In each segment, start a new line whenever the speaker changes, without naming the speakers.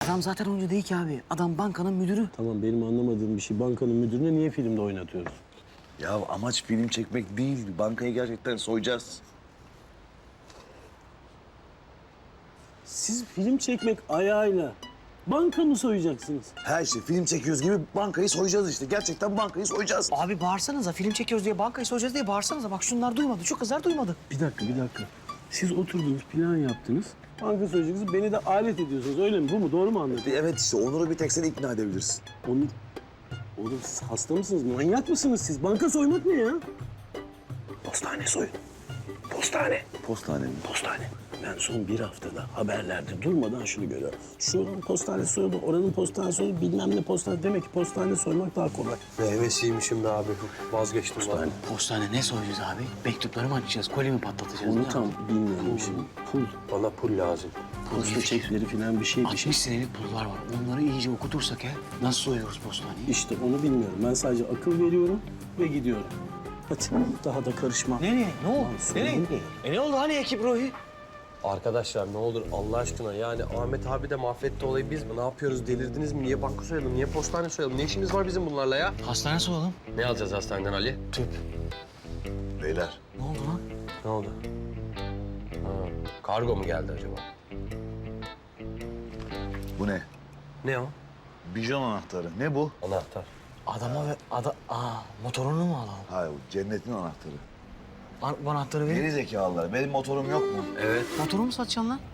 Adam zaten oyuncu değil ki abi. Adam bankanın müdürü.
Tamam, benim anlamadığım bir şey. Bankanın müdürünü niye filmde oynatıyoruz?
Ya amaç film çekmek değil. Bankayı gerçekten soyacağız.
Siz film çekmek ayağıyla banka mı soyacaksınız?
Her şey film çekiyoruz gibi bankayı soyacağız işte. Gerçekten bankayı soyacağız.
Abi bağırsanıza. Film çekiyoruz diye bankayı soyacağız diye bağırsanıza. Bak şunlar duymadı. Şu kızlar duymadı.
Bir dakika. Siz oturdunuz, plan yaptınız. Banka soyacaksınız, beni de alet ediyorsunuz. Öyle mi? Bu mu? Doğru mu anladım?
Evet işte Onur'u bir tek sen ikna edebilirsin.
Oğlum siz hasta mısınız? Manyak mısınız siz? Banka soymak ne ya?
Postane soyun. Postane. Postane mi?
Postane. Ben son bir haftada haberlerde durmadan şunu görüyorum. Şuranın postane soyuldu, oranın postane soyuldu, bilmem ne postane. Demek ki postane soymak daha kolay.
Meyvesiymişim be abi. Vazgeçtim ben.
Postane ne soyacağız abi? Mektupları mı açacağız? Kolye mi patlatacağız?
Onu
Ne
tam
yapacağız?
bilmiyorum şimdi. Pul,
Bana pul lazım.
posta çekleri falan bir şey.
60 senelik pullar var. Onları iyice okutursak ya. Nasıl soyuyoruz postaneyi?
İşte onu bilmiyorum. Ben sadece akıl veriyorum ve gidiyorum. Hadi daha da karışma.
Nereye? Ne oldu?
sorun
Nereye?
değil.
Ne oldu hani ekip Ruhi?
Arkadaşlar ne olur Allah aşkına yani Ahmet abi de mahvetti olayı biz mi? Ne yapıyoruz delirdiniz mi? Niye banka soyalım? Niye postane soyalım? Ne işimiz var bizim bunlarla ya?
Hastane soyalım.
Ne alacağız hastaneden Ali?
Tüp.
Beyler.
Ne oldu lan?
Ne oldu? Ha, kargo mu geldi acaba?
Bu ne?
Ne o?
Bijon anahtarı. Ne bu?
Anahtar.
Adama ve motorunu mu alalım?
Hayır, cennetin anahtarı.
Bu anahtarı verin.
Geri zekalılar. Benim motorum yok mu?
Evet.
Motoru mu satacaksın lan?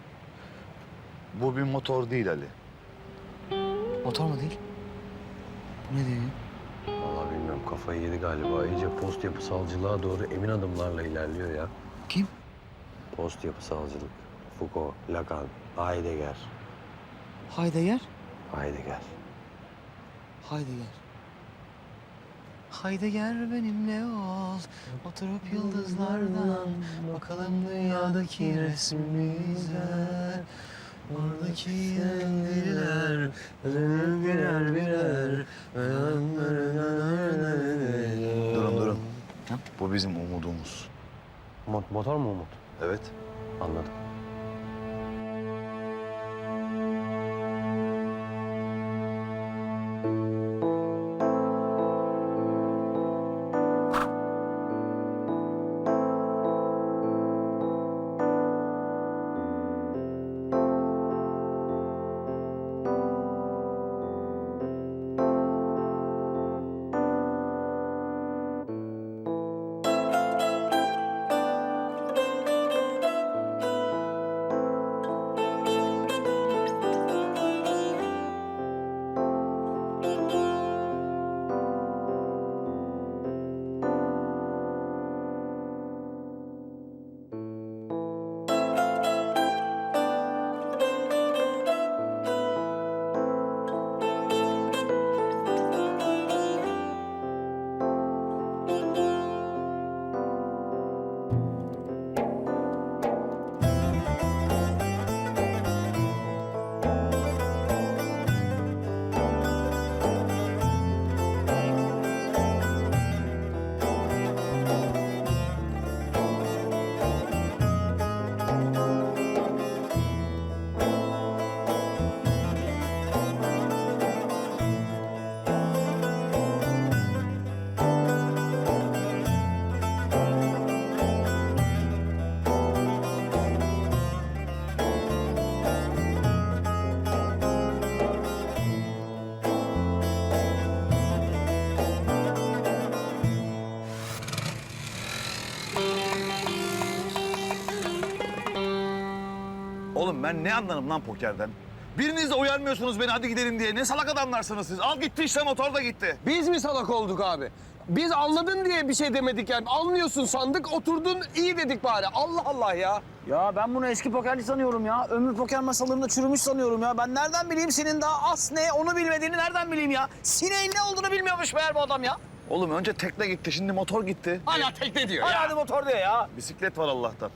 Bu bir motor değil Ali.
Motor mu değil? Bu ne diyor?
Vallahi bilmiyorum kafayı yedi galiba. İyice post yapısalcılığa doğru emin adımlarla ilerliyor ya.
Kim?
Post yapısalcılık. Foucault, Lacan, Heidegger.
Heidegger.
Heidegger.
Heidegger. Heidegger benimle ol. Oturup yıldızlardan bakalım dünyadaki resmimize. Oradaki yendiler, birer birer.
Durun.
Ha?
Bu bizim umudumuz.
Motor mu Umut?
Evet.
Anladım.
Oğlum ben ne anlarım lan pokerden? Biriniz de uyarmıyorsunuz beni hadi gidelim diye. Ne salak adamlarsınız siz. Al gitti işte motor da gitti.
Biz mi salak olduk abi? Biz anladın diye bir şey demedik yani. Anlıyorsun sandık, oturdun iyi dedik bari. Allah Allah ya.
Ya ben bunu eski pokerci sanıyorum ya. Ömür poker masalarında çürümüş sanıyorum ya. Ben nereden bileyim senin daha as ne onu bilmediğini nereden bileyim ya? Sineğin ne olduğunu bilmiyormuş meğer bu adam ya.
Oğlum önce tekne gitti şimdi motor gitti.
Hala tekne diyor ya.
Hadi motor diyor ya.
Bisiklet var Allah'tan.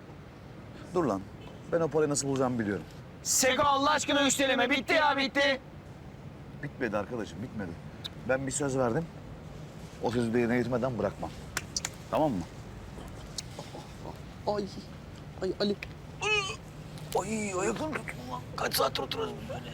Dur lan. Ben o parayı nasıl bulacağımı biliyorum.
Seko Allah aşkına üsteleme. Bitti ya bitti.
Bitmedi arkadaşım bitmedi. Ben bir söz verdim. O sözü de yerine getirmeden bırakmam. Tamam mı?
Ay Ali.
Ay ayaklarım tutun lan. Kaç saattir oturuyoruz biz böyle.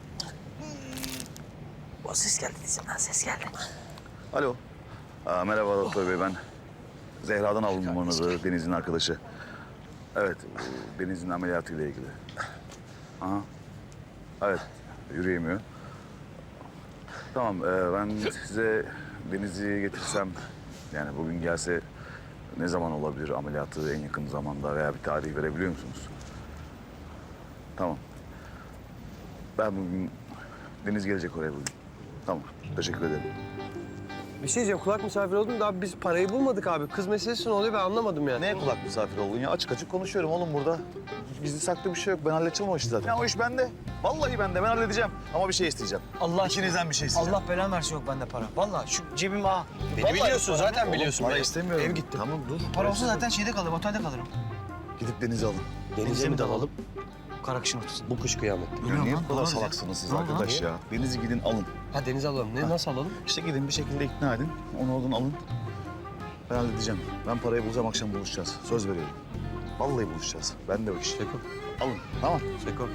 O ses geldi dizimden, ses geldi.
Alo. Merhaba doktor bey, ben Zehra'dan aldım numaranızı, Deniz'in arkadaşı. Evet, Deniz'in ameliyatıyla ilgili. Aha. Evet, yürüyemiyor. Tamam, ben size Deniz'i getirsem, yani bugün gelse ne zaman olabilir ameliyatı, en yakın zamanda veya bir tarih verebiliyor musunuz? Tamam. Ben bugün, Deniz gelecek oraya bugün. Tamam, teşekkür ederim.
Bir şey diyeceğim, kulak misafir oldum da biz parayı bulmadık abi. Kız meselesi ne oluyor ben anlamadım yani.
Neye kulak misafir oldun ya? Açık açık konuşuyorum oğlum burada. Gizli saklı bir şey yok. Ben halledeceğim o işi zaten. Ya o iş bende. Vallahi bende. Ben halledeceğim. Ama bir şey isteyeceğim.
Allah
İkinizden bir şey isteyeceğim.
Allah belanı versin yok bende para. Vallahi şu cebim ağa.
Beni biliyorsun zaten
Oğlum,
biliyorsun.
para istemiyorum.
Ev gitti.
Tamam dur.
Para olsa zaten şeyde kalırım, otelde kalırım.
Gidip Deniz'i alın.
Denize mi dalalım?
Karakışın ortasında.
Bu kış kıyamette.
Ya niye
lan,
bu kadar
doğru
salaksınız siz
Ne oldu lan?
arkadaş ya? Deniz'i gidin alın.
Ha denize alalım. Ne, nasıl alalım?
İşte gidin bir şekilde ikna edin. Onu oradan alın. Ben halledeceğim. Ben parayı bulacağım, akşam buluşacağız. Söz veriyorum. Vallahi buluşacağız. Ben de o iş.
Seko.
Alın. Tamam.
Seko.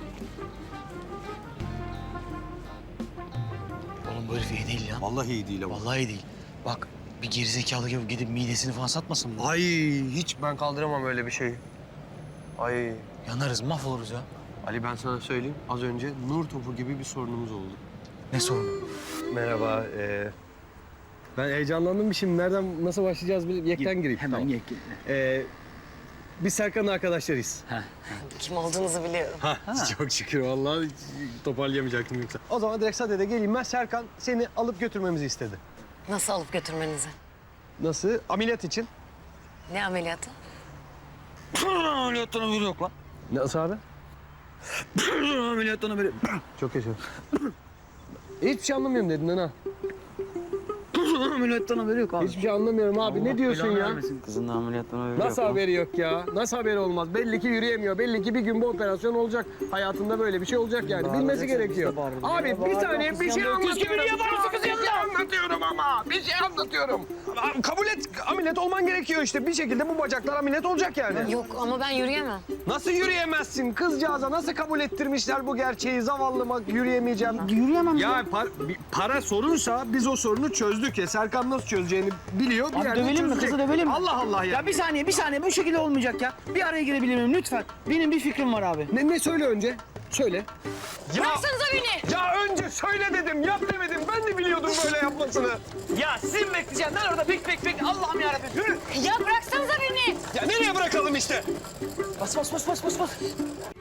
Oğlum bu herif iyi değil ya.
Vallahi iyi değil ama.
Vallahi iyi değil. Bak bir gerizekalı gibi gidip midesini falan satmasın bu.
Ay hiç ben kaldıramam öyle bir şeyi. Ay.
Yanarız, mahvoluruz ya.
Ali ben sana söyleyeyim. Az önce nur topu gibi bir sorunumuz oldu.
Ne sorunu?
Merhaba. Ben heyecanlandım şimdi. Nereden, nasıl başlayacağız? Yekten gireyim.
Hemen
Tamam.
ye.
Biz Serkan'ın arkadaşlarıyız.
Kim olduğunuzu biliyorum.
Çok şükür vallahi hiç toparlayamayacaktım yoksa. O zaman direkt sadede geleyim ben. Serkan seni alıp götürmemizi istedi.
Nasıl alıp götürmenizi?
Nasıl? Ameliyat için.
Ne ameliyatı?
Ameliyattan haberi yok lan.
Nasıl abi?
Ameliyattan haberi.
Çok yaşa. Hiçbir şey anlamıyorum dedin ha.
Ameliyattan haberi yok abi.
Hiçbir şey anlamıyorum abi. Ne diyorsun ya?
Kızın da ameliyattan haberi
Nasıl haberi yok ya? Nasıl haberi olmaz? Belli ki yürüyemiyor. Belli ki bir gün bu operasyon olacak. Hayatında böyle bir şey olacak yani. Bilmesi gerekiyor. Abi bir saniye bir şey anlatıyorum. Bir şey anlatıyorum ama. Bir şey anlatıyorum. Kabul et. Ameliyat olman gerekiyor işte. Bir şekilde bu bacaklar ameliyat olacak yani.
Yok ama ben yürüyemem.
Nasıl yürüyemezsin? Kızcağıza nasıl kabul ettirmişler bu gerçeği? Zavallıma yürüyemeyeceğim.
Yürüyemem
Ya para sorunsa biz o sorunu çözdük ya. Serkan nasıl çözeceğini biliyor. Bir
Abi
yerde
dövelim mi?
çözecek.
Kızı dövelim mi?
Allah Allah ya.
Ya bir saniye bu şekilde olmayacak ya. Bir araya girebilir miyim lütfen? Benim bir fikrim var abi.
Ne söyle önce? Söyle. Ya,
Bıraksanıza beni!
ya önce söyle dedim, yap demedim. Ben de biliyordum böyle yapmasını.
Ya sizin bekleyeceğim. Ben orada pik Allah'ım yarabbim. Yürü.
Ya bıraksanıza beni!
Ya nereye bırakalım işte?
Bas.